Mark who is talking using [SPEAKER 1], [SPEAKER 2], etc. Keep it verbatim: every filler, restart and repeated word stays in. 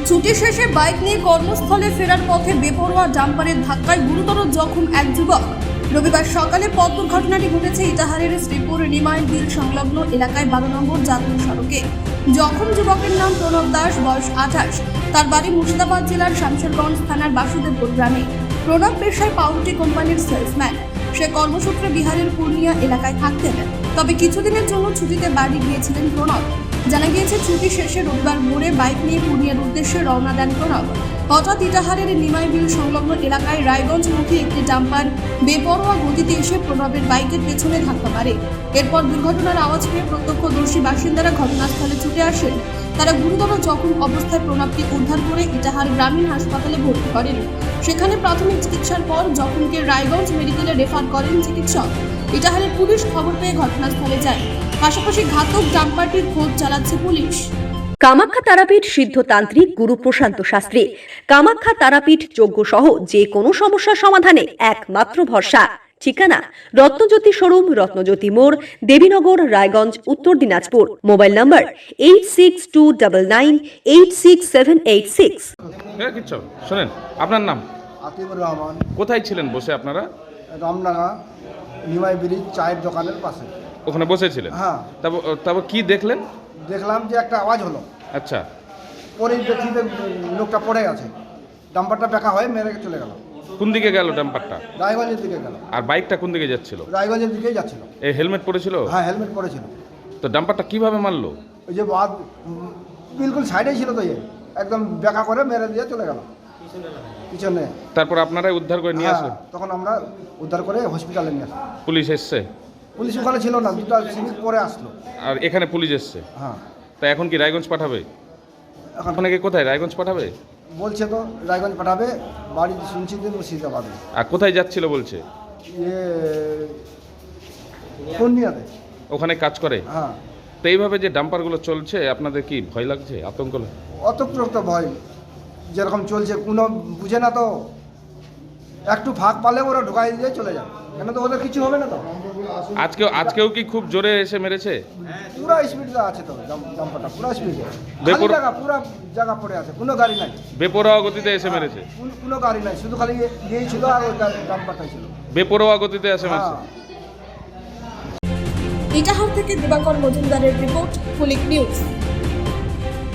[SPEAKER 1] ছুটি শেষে বাইক নিয়ে কর্মস্থলে ফেরার পথে বেপরোয়া ডাম্পারের ধাক্কায় গুরুতর জখম এক যুবক। রবিবার সকালে পথ দুর্ঘটনাটি ঘটেছে ইটাহারের শ্রীপুর নিমাইল বিল সংলগ্ন এলাকায় বারো নম্বর জাতীয় সড়কে। জখম যুবকের নাম প্রণব দাস, বয়স আঠাশ। তার বাড়ি মুর্শিদাবাদ জেলার শামশেরগঞ্জ থানার বাসুদেবপুর গ্রামে। প্রণব পেশায় পাউরুটি কোম্পানির সেলসম্যান। সে কর্মসূত্রে বিহারের পূর্ণিয়া এলাকায় থাকতেন, তবে কিছুদিনের জন্য ছুটিতে বাড়ি গিয়েছিলেন প্রণব। জানা গিয়েছে, ছুটি শেষে রবিবার ভোরে বাইক নিয়ে পূর্ণিয়ার উদ্দেশ্যে রওনা দেন প্রণব। হঠাৎ ইটাহারের নিমাই বিল সংলগ্ন এলাকায় রায়গঞ্জমুখী একটি ডাম্পার বেপরোয়া গতিতে এসে প্রণবের বাইকের পেছনে ধাক্কা মারে। এরপর দুর্ঘটনার আওয়াজ পেয়ে প্রত্যক্ষদর্শী বাসিন্দারা ঘটনাস্থলে ছুটে আসেন। তারা গুরুতর জখম অবস্থায় প্রণবকে উদ্ধার করে ইটাহার গ্রামীণ হাসপাতালে ভর্তি করেন। সেখানে প্রাথমিক চিকিৎসার পর জখমকে রায়গঞ্জ মেডিকেলে রেফার করেন চিকিৎসক। ইটাহারের পুলিশ খবর পেয়ে ঘটনাস্থলে যায়। পাশাপাশি ঘাতক ডাম্পারটির খোঁজ চালাচ্ছে পুলিশ।
[SPEAKER 2] কামাখ্যা তারাপীঠ সিদ্ধতান্ত্রিক গুরু প্রশান্ত শাস্ত্রী। কামাখ্যা তারাপীঠ যজ্ঞ সহ যে কোনো সমস্যার সমাধানে একমাত্র ভরসা। ঠিকানা রত্নজ্যোতি শোরুম, রত্নজ্যোতি মোড়, Debinagar, Raiganj, Uttar Dinajpur. Mobile number eight six two nine nine eight six seven eight six.
[SPEAKER 3] কিচ্ছু শোনেন, আপনার নাম?
[SPEAKER 4] আতিবুর রহমান।
[SPEAKER 3] কোথায় ছিলেন বসে আপনারা?
[SPEAKER 4] রামডাঙ্গা নিমাই ব্রিজ চায়ের দোকানের পাশে।
[SPEAKER 3] ওখানে বসেছিলেন?
[SPEAKER 4] হ্যাঁ।
[SPEAKER 3] তারপর তারপর কি দেখলেন?
[SPEAKER 4] দেখলাম যে একটা আওয়াজ হলো।
[SPEAKER 3] আচ্ছা।
[SPEAKER 4] পরে দেখতে লোকটা পড়ে গেছে, ডাম্পারটা বেঁকা হয়ে মেরে চলে গেল।
[SPEAKER 3] কোন দিকে গেল ডাম্পারটা?
[SPEAKER 4] রায়গঞ্জের দিকে গেল।
[SPEAKER 3] আর বাইকটা কোন দিকে যাচ্ছিল?
[SPEAKER 4] রায়গঞ্জের দিকেই যাচ্ছিল।
[SPEAKER 3] এই হেলমেট পরেছিল?
[SPEAKER 4] হ্যাঁ, হেলমেট পরেছিল।
[SPEAKER 3] তো ডাম্পারটা কিভাবে মারলো?
[SPEAKER 4] ওই যে বাদ বিলকুল সাইডেই ছিল, তো একদম বেঁকা করে মেরে দিয়ে চলে গেল পিছনে।
[SPEAKER 3] তারপর আপনারাই উদ্ধার করে নিয়ে আসলেন?
[SPEAKER 4] তখন আমরা উদ্ধার করে হসপিটালে নিয়ে আসলাম।
[SPEAKER 3] পুলিশ এসছে?
[SPEAKER 4] পুলিশ ওখানে ছিল না, দুটা সিভিক পরে আসলো।
[SPEAKER 3] আর এখানে পুলিশ এসছে?
[SPEAKER 4] হ্যাঁ।
[SPEAKER 3] তা এখন কি রায়গঞ্জ পাঠাবে?
[SPEAKER 4] এখন
[SPEAKER 3] আপনাকে কোথায় রায়গঞ্জ পাঠাবে
[SPEAKER 4] বলছে, তো রায়গঞ্জ পাঠাবে। বাড়ি শুনছি যে মুর্শিদাবাদে।
[SPEAKER 3] আর কোথায় যাচ্ছিল বলছে?
[SPEAKER 4] ইয়ে পূর্ণিয়াতে
[SPEAKER 3] ওখানে কাজ করে?
[SPEAKER 4] হ্যাঁ।
[SPEAKER 3] তো এইভাবে যে ডাম্পারগুলো চলছে, আপনাদের কি ভয় লাগছে, আতঙ্ক লাগে?
[SPEAKER 4] অতপ্রত ভয়, যেরকম চলছে কোনো বুঝে না, তো একটু ফাঁক পালে ওরা ঢুকাই দিয়ে চলে যায়। কেন তো ওদের কিছু হবে না। তো
[SPEAKER 3] আজকেও আজকেও কি খুব জোরে এসে মেরেছে?
[SPEAKER 4] পুরো স্পিডে আছে, তো ডাম্পারটা পুরো স্পিডে।
[SPEAKER 3] বেপর-
[SPEAKER 4] জায়গা পুরো জায়গা পড়ে আছে, কোনো গাড়ি নাই।
[SPEAKER 3] বেপরোয়া গতিতে এসে মেরেছে?
[SPEAKER 4] কোনো- কোনো গাড়ি নাই, শুধু খালি ইয়েই ছিল আর ওই ডাম্পারটাই ছিল।
[SPEAKER 3] বেপরোয়া গতিতে এসে মেরেছে।
[SPEAKER 4] হ্যাঁ।
[SPEAKER 1] ইটাহার থেকে দিবাকর মজুমদারের রিপোর্ট, কুলিক নিউজ।